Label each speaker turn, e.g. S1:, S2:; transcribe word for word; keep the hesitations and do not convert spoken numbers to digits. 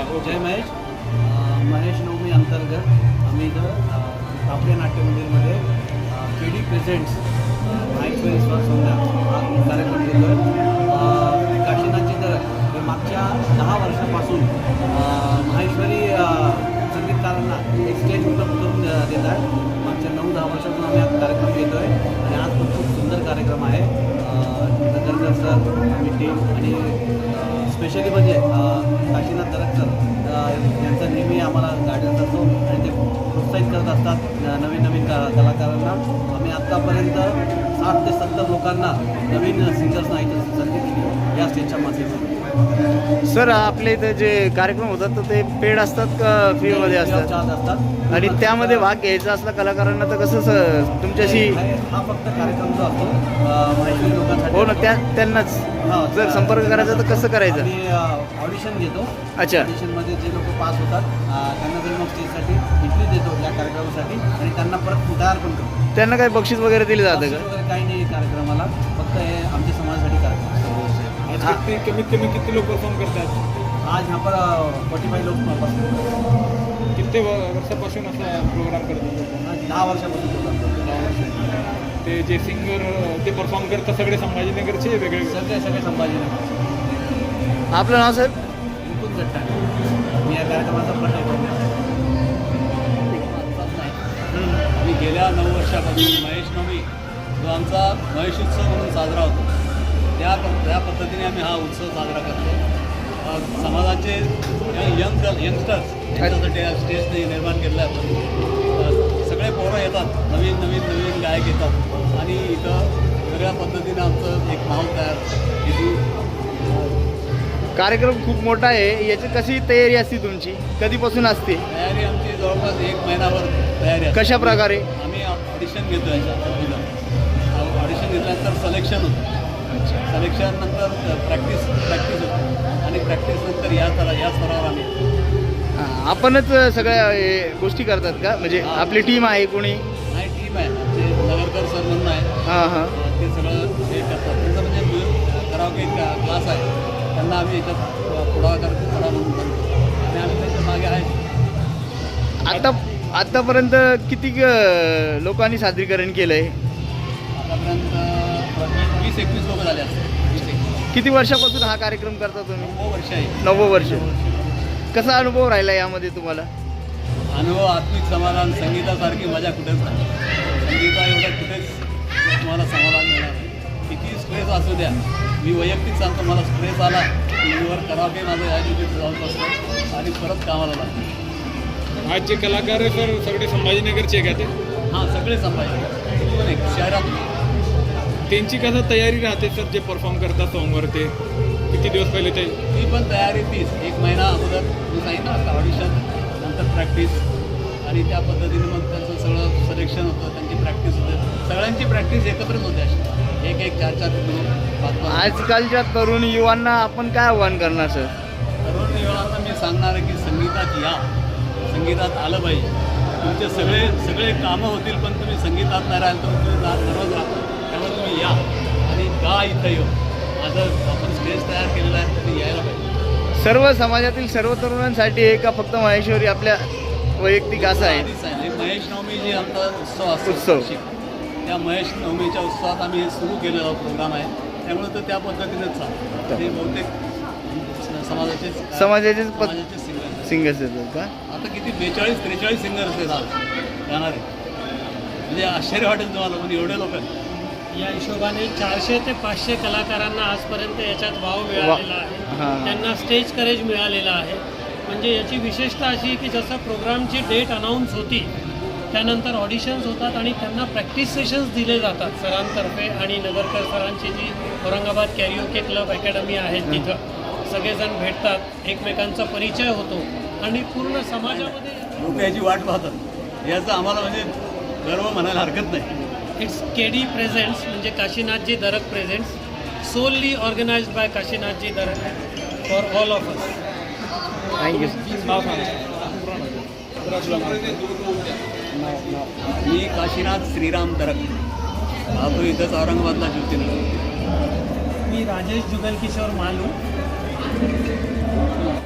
S1: जय महेश. अ, महेश नवमी अंतर्गत आम्ही इथं अ, कापडे नाट्य मंदिरमध्ये के डी प्रेझेंट्स माहेश्वरी स्वर संध्या हा कार्यक्रम घेतो आहे. काशीनाथची दरक हे मागच्या दहा वर्षापासून अ, माहेश्वरी अ, संगीतकारांना एक स्टेज उपलब्ध करून अ, देत आहे. मागच्या नऊ दहा वर्षातून आम्ही हा कार्यक्रम घेतो आहे आणि आज पण खूप सुंदर कार्यक्रम आहे. नगरकर सर आम्ही टीम आणि स्पेशली म्हणजे काशीनाथ दरक सर यांचा नेहमी आम्हाला गायडन्स असतो आणि ते प्रोत्साहित करत असतात नवीन नवीन का कलाकारांना. आम्ही आत्तापर्यंत साठ ते सत्तर लोकांना नवीन सिंगर्सना ऐकत संधी दिली या स्टेजच्या माध्यमातून.
S2: सर आपल्या इथं जे कार्यक्रम होतात तर ते पेड असतात का फ्रीमध्ये असतात?
S1: चार्ज असतात
S2: आणि त्यामध्ये भाग घ्यायचा असला कलाकारांना तर कसं स- तुमच्याशी
S1: हा फक्त कार्यक्रम जो असतो माहिती लोकांसाठी
S2: हो ना त्या त्यांनाच
S1: हा,
S2: जर संपर्क करायचा तर कसं करायचं?
S1: आम्ही ऑडिशन घेतो.
S2: अच्छा.
S1: ऑडिशनमध्ये जे लोक पास होतात अ, त्यांना जर मग स्टेजसाठी एंट्री देतो या कार्यक्रमासाठी आणि त्यांना परत तयार पण करतो.
S2: त्यांना काही बक्षीस वगैरे दिले जातं
S1: बक्षीस
S2: का?
S1: वगैरे काही नाही कार्यक्रमाला, फक्त हे आमच्या समाजासाठी कार्यक्रम
S3: आज
S2: हा.
S3: किती कमीत कमी किती लोक परफॉर्म करतात?
S1: आज यहाँ पर फोर्टी फाईव्ह लोक बसले.
S3: किती व- वर्षापासून असा प्रोग्राम करतात?
S1: आज दहा वर्षापासून program करतो.
S3: ते जे सिंगर ते परफॉर्म करतात सगळे संभाजीनगरचे वेगळे
S1: सगळे सगळे संभाजीनगर.
S2: आपलं नाव साहेब?
S1: मुकुंद गट्टा. मी या कार्यक्रमाचा प्रश्न
S4: आम्ही गेल्या नऊ वर्षापासून महेश नवमी जो आमचा महेश उत्सव म्हणून साजरा होतो त्या त्या पद्धतीने आम्ही हा उत्सव साजरा करतो. अ, समाजाचे यंग यंगस्टर्स यांच्यासाठी हा स्टेज निर्माण केलेला आहे आपण. अ, सगळे पोरं येतात, नवीन नवीन नवीन गायक येतात आणि इथं वेगळ्या पद्धतीने आमचं एक माहोल तयार इथे.
S2: कार्यक्रम खूप मोठा आहे, याची कशी तयारी असते तुमची? कधीपासून असते?
S4: तयारी आमची जवळपास एक महिनाभर तयारी आहे.
S2: कशा प्रकारे?
S4: आम्ही ऑडिशन घेतो याच्या ऑडिशन घेतल्यानंतर सिलेक्शन होतं. सिलेक्शन नंतर प्रॅक्टिस प्रॅक्टिस होते आणि प्रॅक्टिस नंतर या स्तरा या स्तरावर आम्ही
S2: हा, आपणच सगळ्या हे गोष्टी करतात का? म्हणजे
S4: हा.
S2: आपली टीम आहे कोणी?
S4: नाही टीम आहे जे नगरकर सर म्हणून आहे
S2: हां हां.
S4: ते सगळं हे करतात. त्यांचं म्हणजे कराओके क्लास आहे, त्यांना आम्ही याच्यात पुढाकार करा म्हणून करतो आणि आम्ही त्यांच्या मागे आहे.
S2: आता आतापर्यंत किती अं, लोकांनी सादरीकरण केलं आहे?
S4: आतापर्यंत वीस एकवीस लोक झाले असतात. वीस एकवीस
S2: किती वर्षापासून हा कार्यक्रम करता तुम्ही?
S4: नऊ वर्ष आहे.
S2: नव्वद वर्ष. कसा अनुभव राहिला यामध्ये तुम्हाला?
S4: अनुभव आत्मिक समाधान, संगीतासारखी मजा कुठेच नाही. संगीता एवढं कुठेच तुम्हाला समाधान मिळणार नाही. किती स्ट्रेस असू द्या, मी वैयक्तिक सांगतो मला स्ट्रेस आला की वर करावे माझं या दिवशी जाऊन बसतो आणि परत कामाला लागतो.
S3: आज जे कलाकार आहे सर सगळे संभाजीनगरचे आहे का ते?
S4: हां सगळे संभाजी पण एक शहरात
S3: त्यांची कसं तयारी राहते सर जे परफॉर्म करतात सॉंगवर? ते किती दिवस पहिले ते
S4: ती पण तयारी तीच एक महिना अगोदर मी सांगितलं आता ऑडिशन नंतर प्रॅक्टिस आणि त्या पद्धतीने मग त्यांचं सगळं सिलेक्शन होतं, त्यांची प्रॅक्टिस होते. सगळ्यांची प्रॅक्टिस एकत्रच होते अशी एक एक चार चार किलो पाच पाच.
S2: आजकालच्या तरुण युवांना आपण काय आव्हान करणार सर?
S4: तरुण युवांना मी सांगणार आहे की संगीतात या, संगीतात आलं पाहिजे. तुमचे सगळे सगळे कामं होतील पण तुम्ही संगीतात नाही राहिल तर तुम्ही जा सर्वच राहता. त्यामुळे तुम्ही या आणि का इथं येऊ. माझं आपण स्टेज तयार केलेलं आहे तुम्ही यायला पाहिजे.
S2: सर्व समाजातील सर्व तरुणांसाठी आहे का फक्त महेश्वरी आपल्या वैयक्तिक असं आहे?
S4: आधीच आहे. हे महेश नवमी जी आमचा उत्सव असतो
S2: उत्सव.
S4: वार्षिक, त्या महेश नवमीच्या उत्सवात आम्ही हे सुरू केलेला प्रोग्राम आहे. त्यामुळे तर त्या पद्धतीनेच चालतं. ते बहुतेक समाजाचे
S2: समाजाचेच पद-
S4: समाजाचे सिंगर
S2: सिंगर्स येतात का?
S4: आता किती बेचाळीस त्रेचाळीस सिंगर्स आहेत आज गाणारे. म्हणजे आश्चर्य वाटेल तुम्हाला पण एवढे लोक आहेत.
S5: या हिशोबाने चारशे ते पाचशे कलाकारांना आजपर्यंत याच्यात वाव मिळालेला
S2: हां.
S5: आहे. त्यांना स्टेज करेज मिळालेला आहे. म्हणजे याची विशेषता अशी आहे की जसं प्रोग्रामची डेट अनाऊन्स होती त्यानंतर ऑडिशन्स होतात आणि त्यांना प्रॅक्टिस सेशन्स दिले जातात सरांतर्फे आणि नगरकर सरांची जी औरंगाबाद कॅरिओके क्लब अकॅडमी आहे तिथं सगळेजण भेटतात, एकमेकांचा परिचय होतो आणि पूर्ण समाजामध्ये
S4: लोक याची वाट पाहतात. याचं आम्हाला म्हणजे गर्व म्हणायला हरकत नाही.
S5: इट्स के डी प्रेझेंट्स म्हणजे Kashinathji Darak presents solely organised by Kashinathji Darak for all of us.
S2: Thank you.
S3: नाव सांगा.
S4: मी काशीनाथ श्रीराम दरक राहतो इथंच औरंगाबादला ज्योतिर्लिंग.
S5: मी राजेश जुगल किशोर मालू